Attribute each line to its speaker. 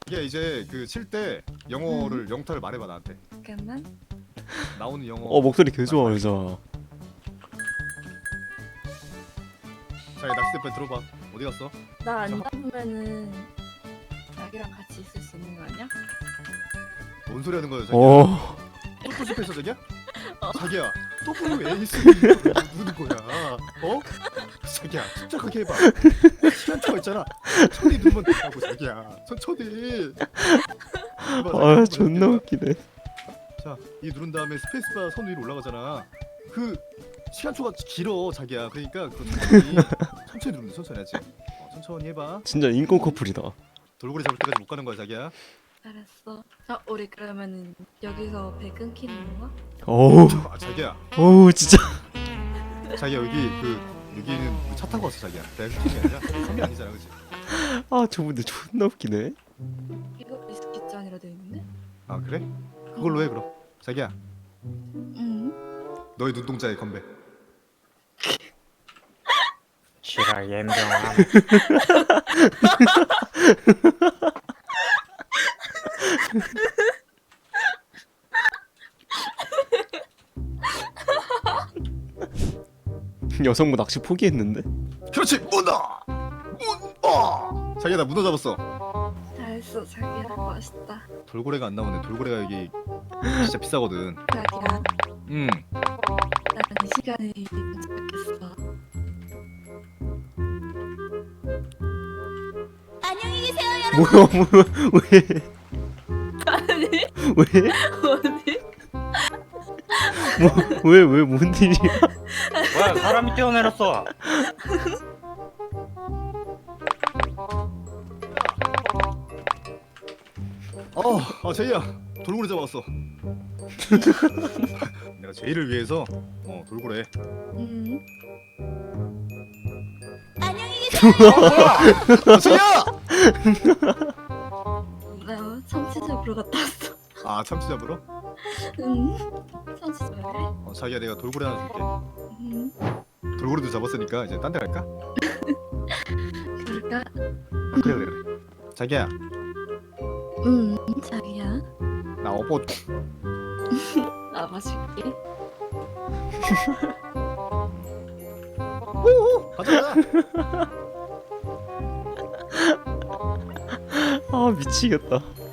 Speaker 1: 이게 이제 그 칠 때 영어를 영타를 말해봐 나한테.
Speaker 2: 잠깐만.
Speaker 1: 나오는 영어.
Speaker 3: 목소리 개 좋아 여자.
Speaker 1: 자, 낚싯대 빨리 들어봐. 어디 갔어?
Speaker 2: 나 안 잡으면은 자기랑 같이 있을 수 있는 거 아니야?
Speaker 1: 뭔 소리 하는 거야, 자기야? 또 실패했어, 자기야? 자기야, 또 왜 에이스를 누르는 거야? 어? 자기야, 침착하게 해봐. 시간초가 있잖아. 천천히 누르면 된다고, 자기야. 천천히. 해봐,
Speaker 3: 존나 웃기네.
Speaker 1: 자, 이 누른 다음에 스페이스바 선 위로 올라가잖아. 그 시간초가 길어, 자기야. 그러니까 그 천천히 누르면 돼, 천천히 하지. 천천히 해봐.
Speaker 3: 진짜 인권 커플이다.
Speaker 1: 돌고래 잡을 때까지 못 가는 거야, 자기야.
Speaker 2: 알았어. 자, 우리 그러면은 여기서 배 끊기는 건가?
Speaker 1: 자기야.
Speaker 3: 진짜.
Speaker 1: 자기야, 여기는 차 타고 왔어, 자기야. 내가 흑팀이 아니라 섬이 아니잖아, 그치?
Speaker 3: 저분들 존나 웃기네.
Speaker 2: 이거 위스키 잔이라 돼 있는데?
Speaker 1: 아, 그래? 그걸로 해, 그럼. 자기야,
Speaker 2: 응.
Speaker 1: 너의 눈동자에 건배.
Speaker 4: 지랄 옌병함.
Speaker 3: 여성부 낚시 포기했는데?
Speaker 1: 그렇지, 문어! 문어! 자기야, 나 문어 잡았어.
Speaker 2: 잘했어, 자기야. 멋있다.
Speaker 1: 돌고래가 안 나오네. 돌고래가 여기 진짜 비싸거든.
Speaker 2: 자기야, 나는 이 시간에 도착했어. 안녕히 계세요,
Speaker 3: 뭐야 왜?
Speaker 2: 아니,
Speaker 3: 왜?
Speaker 2: 어디?
Speaker 3: 왜 뭔 일이야?
Speaker 4: 뭐야 사람이 뛰어내렸어.
Speaker 1: 제이야, 돌고래 잡았어. 내가 제이를 위해서 돌고래.
Speaker 2: 응.
Speaker 1: 제이야!
Speaker 2: 나 참치 잡으러 갔다 왔어.
Speaker 1: 아, 참치 잡으러?
Speaker 2: 응. 참치 잡으래?
Speaker 1: 자기야, 내가 돌고래 하나 줄게.
Speaker 2: 응.
Speaker 1: 돌고래도 잡았으니까 이제 딴 데 갈까?
Speaker 2: 그럴까?
Speaker 1: 그래. 자기야,
Speaker 2: 응. 자기야,
Speaker 1: 나 어버.
Speaker 2: 나 마실게.
Speaker 1: 가자.
Speaker 3: 미치겠다.